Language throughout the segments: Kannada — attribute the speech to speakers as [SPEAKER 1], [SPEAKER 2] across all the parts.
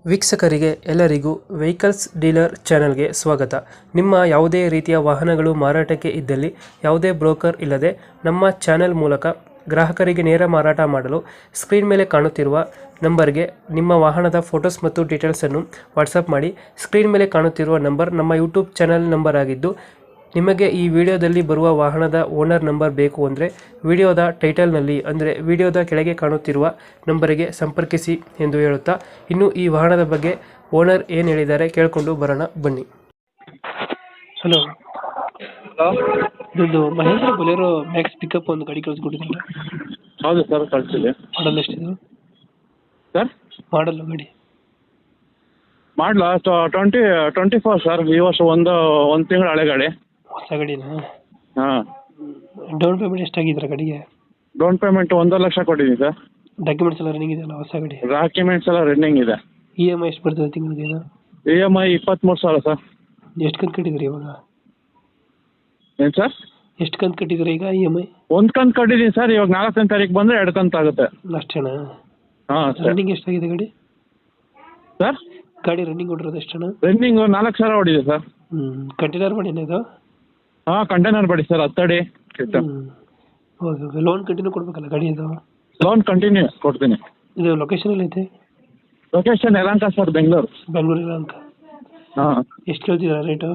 [SPEAKER 1] ವೀಕ್ಷಕರಿಗೆ ಎಲ್ಲರಿಗೂ ವೆಹಿಕಲ್ಸ್ ಡೀಲರ್ ಚಾನೆಲ್ಗೆ ಸ್ವಾಗತ. ನಿಮ್ಮ ಯಾವುದೇ ರೀತಿಯ ವಾಹನಗಳು ಮಾರಾಟಕ್ಕೆ ಇದ್ದಲ್ಲಿ ಯಾವುದೇ ಬ್ರೋಕರ್ ಇಲ್ಲದೆ ನಮ್ಮ ಚಾನೆಲ್ ಮೂಲಕ ಗ್ರಾಹಕರಿಗೆ ನೇರ ಮಾರಾಟ ಮಾಡಲು ಸ್ಕ್ರೀನ್ ಮೇಲೆ ಕಾಣುತ್ತಿರುವ ನಂಬರ್ಗೆ ನಿಮ್ಮ ವಾಹನದ ಫೋಟೋಸ್ ಮತ್ತು ಡೀಟೇಲ್ಸನ್ನು ವಾಟ್ಸಪ್ ಮಾಡಿ. ಸ್ಕ್ರೀನ್ ಮೇಲೆ ಕಾಣುತ್ತಿರುವ ನಂಬರ್ ನಮ್ಮ ಯೂಟ್ಯೂಬ್ ಚಾನೆಲ್ ನಂಬರ್ ಆಗಿದ್ದು, ನಿಮಗೆ ಈ ವಿಡಿಯೋದಲ್ಲಿ ಬರುವ ವಾಹನದ ಓನರ್ ನಂಬರ್ ಬೇಕು ಅಂದರೆ ವಿಡಿಯೋದ ಟೈಟಲ್ನಲ್ಲಿ ಅಂದರೆ ವಿಡಿಯೋದ ಕೆಳಗೆ ಕಾಣುತ್ತಿರುವ ನಂಬರಿಗೆ ಸಂಪರ್ಕಿಸಿ ಎಂದು ಹೇಳುತ್ತಾ, ಇನ್ನು ಈ ವಾಹನದ ಬಗ್ಗೆ ಓನರ್ ಏನು ಹೇಳಿದ್ದಾರೆ ಕೇಳಿಕೊಂಡು ಬರೋಣ ಬನ್ನಿ. ಹಲೋ, ಇದೊಂದು ಮಹೇಂದ್ರ ಬೊಲೆರೋ ಮ್ಯಾಕ್ಸ್ ಪಿಕಪ್ ಒಂದು ಗಾಡಿ ಕಳಿಸ್ಕೊಟ್ಟಿದ್ರಲ್ಲ?
[SPEAKER 2] ಹೌದು ಸರ್, ಕಳಿಸಿದೆ.
[SPEAKER 1] ಮಾಡಲ್ ಎಷ್ಟಿದೆ
[SPEAKER 2] ಸರ್?
[SPEAKER 1] ಮಾಡಲ್ ಗಾಡಿ
[SPEAKER 2] ಮಾಡಲ 24 ಸರ್. ಈ ವರ್ಷ ಒಂದು ತಿಂಗಳು ಹಳೆ ಗಾಡಿ.
[SPEAKER 1] ಹೊಸ ಗಾಡಿನಾ?
[SPEAKER 2] ಹಾಂ.
[SPEAKER 1] ಡೌನ್ ಪೇಮೆಂಟ್ ಎಷ್ಟಾಗಿದ್ರೆ ಗಾಡಿಗೆ?
[SPEAKER 2] ಡೌನ್ ಪೇಮೆಂಟ್ 1.5 ಲಕ್ಷ ಕೊಟ್ಟಿದ್ದೀನಿ ಸರ್.
[SPEAKER 1] ಡಾಕ್ಯುಮೆಂಟ್ಸ್ ಎಲ್ಲ ರನ್ನಿಂಗ್ ಇದೆಯಲ್ಲ ಹೊಸ ಗಾಡಿ?
[SPEAKER 2] ಡಾಕ್ಯುಮೆಂಟ್ಸ್ ಎಲ್ಲ ರನ್ನಿಂಗ್ ಇದೆ.
[SPEAKER 1] ಇ ಎಮ್ ಐ ಎಷ್ಟು ಬರ್ತದೆ ತಿಂಗಳಿಗೆ?
[SPEAKER 2] EMI 23,000 sir.
[SPEAKER 1] ಎಷ್ಟು ಕಂತು ಕಟ್ಟಿದ್ರಿ ಇವಾಗ?
[SPEAKER 2] ಏನು ಸರ್?
[SPEAKER 1] ಎಷ್ಟು ಕಂತು ಕಟ್ಟಿದ್ರಿ ಈಗ ಇ ಎಮ್ ಐ?
[SPEAKER 2] ಒಂದು ಕಂತು ಕಟ್ಟಿದ್ದೀನಿ ಸರ್. ಇವಾಗ 4ನೇ ತಾರೀಕು ಬಂದರೆ 2 ಕಂತು ಆಗುತ್ತೆ
[SPEAKER 1] ಅಷ್ಟೇನಾ?
[SPEAKER 2] ಹಾಂ ಸರ್.
[SPEAKER 1] ರನ್ನಿಂಗ್ ಎಷ್ಟಾಗಿದೆ ಗಾಡಿ?
[SPEAKER 2] ಸರ್,
[SPEAKER 1] ಗಾಡಿ ರನ್ನಿಂಗ್ ಹೊಡಿರೋದು ಎಷ್ಟಣ್ಣ?
[SPEAKER 2] ರನ್ನಿಂಗ್ 4,000 ಹೊಡಿದೆ ಸರ್.
[SPEAKER 1] ಕಂಟೈನರ್ ಮಾಡಿನ ಇದು?
[SPEAKER 2] ಹಾಂ, ಕಂಟೈನರ್ ಬಡಿ ಸರ್, 10 ಅಡಿ.
[SPEAKER 1] ಓಕೆ, ಲೋನ್ ಕಂಟಿನ್ಯೂ ಕೊಡ್ಬೇಕಲ್ಲ ಗಾಡಿ ಇದು?
[SPEAKER 2] ಲೋನ್ ಕಂಟಿನ್ಯೂ ಕೊಡ್ತೀನಿ.
[SPEAKER 1] ಇದು ಲೊಕೇಶನ್ ಎಲ್ಲ ಐತೆ?
[SPEAKER 2] Location Yelahanka sir, Bengaluru.
[SPEAKER 1] ಬೆಂಗಳೂರು ಯಲಹಂಕ.
[SPEAKER 2] ಹಾಂ.
[SPEAKER 1] ಎಷ್ಟು ಕೇಳ್ತಿದ್ದೀರಾ ರೇಟು?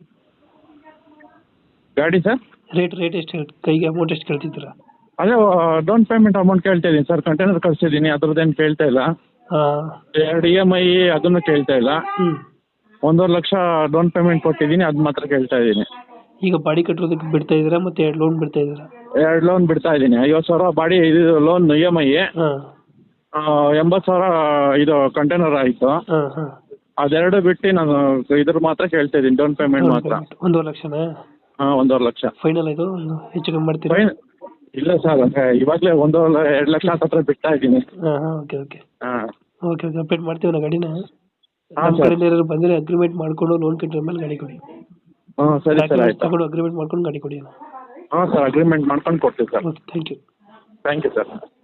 [SPEAKER 2] ಗಾಡಿ ಸರ್?
[SPEAKER 1] ರೇಟ್ ಎಷ್ಟು ಕೈಗೆ ಅಮೌಂಟ್ ಎಷ್ಟು ಕೇಳ್ತಿದ್ದೀರಾ?
[SPEAKER 2] ಅದೇ ಡೌನ್ ಪೇಮೆಂಟ್ ಅಮೌಂಟ್ ಕೇಳ್ತಾ ಇದ್ದೀನಿ ಸರ್. ಕಂಟೈನರ್ ಕಳಿಸಿದ್ದೀನಿ, ಅದ್ರದ್ದೇನು ಕೇಳ್ತಾ ಇಲ್ಲ.
[SPEAKER 1] ಹಾಂ.
[SPEAKER 2] 2 EMI ಅದನ್ನು ಕೇಳ್ತಾ ಇಲ್ಲ. 1.5 ಲಕ್ಷ ಡೌನ್ ಪೇಮೆಂಟ್ ಕೊಟ್ಟಿದ್ದೀನಿ, ಅದು ಮಾತ್ರ ಕೇಳ್ತಾ ಇದ್ದೀನಿ.
[SPEAKER 1] ಈಗ ಬಾಡಿ ಕಟ್ಟೋದಕ್ಕೆ ಬಿಡ್ತಾ ಇದ್ದೀರಾ ಮತ್ತೆ 2 ಲೋನ್ ಬಿಡ್ತಾ ಇದ್ದೀರಾ?
[SPEAKER 2] 2 ಲೋನ್ ಬಿಡ್ತಾ ಇದ್ದೀನಿ. 50,000 ಬಾಡಿ ಇದು ಲೋನ್ EMI.
[SPEAKER 1] ಹಾಂ.
[SPEAKER 2] 80,000 ಇದು ಕಂಟೈನರ್ ಆಯಿತು.
[SPEAKER 1] ಹಾಂ ಹಾಂ.
[SPEAKER 2] ಅದೆರಡು ಬಿಟ್ಟು ನಾನು ಇದ್ರ ಮಾತ್ರ ಕೇಳ್ತಾ ಇದ್ದೀನಿ, ಡೌನ್ ಪೇಮೆಂಟ್ ಮಾತ್ರ.
[SPEAKER 1] 1.5 ಲಕ್ಷನಾ?
[SPEAKER 2] ಹಾಂ, 1.5 ಲಕ್ಷ
[SPEAKER 1] ಫೈನಲ್ ಇದು? ಹೆಚ್ಚು ಕಮ್ಮಿ ಮಾಡ್ತೀರಾ?
[SPEAKER 2] ಇಲ್ಲ ಸರ್, ಇವಾಗಲೇ 1.2 ಲಕ್ಷ ಹತ್ರ ಬಿಡ್ತಾ ಇದ್ದೀನಿ.
[SPEAKER 1] ಹಾಂ ಹಾಂ. Okay okay.
[SPEAKER 2] ಹಾಂ.
[SPEAKER 1] ಓಕೆ ಓಕೆ, ಅಪ್ಡೇಟ್ ಮಾಡ್ತೀವಿ ನಾವು ಗಾಡಿನ.
[SPEAKER 2] ಹಾಂ
[SPEAKER 1] ನಮ್ಮ
[SPEAKER 2] ಸರ್.
[SPEAKER 1] ಕಡೆಯಿಂದ ಏನಾದ್ರು ಬಂದರೆ ಅಗ್ರಿಮೆಂಟ್ ಮಾಡಿಕೊಂಡು ಲೋನ್ ಕಟ್ಟಿದ ಮೇಲೆ ಗಾಡಿ ಕೊಡಿ.
[SPEAKER 2] ಹಾಂ, ಸರಿ ಸರ್, ಆಯ್ತು.
[SPEAKER 1] ತಗೊಂಡು ಅಗ್ರಿಮೆಂಟ್ ಮಾಡ್ಕೊಂಡು ಗಾಡಿ ಕೊಡಿ.
[SPEAKER 2] ಹಾಂ ಸರ್, ಅಗ್ರಿಮೆಂಟ್ ಮಾಡ್ಕೊಂಡು ಕೊಡ್ತೀವಿ sir.
[SPEAKER 1] Okay, thank you.
[SPEAKER 2] Thank you sir.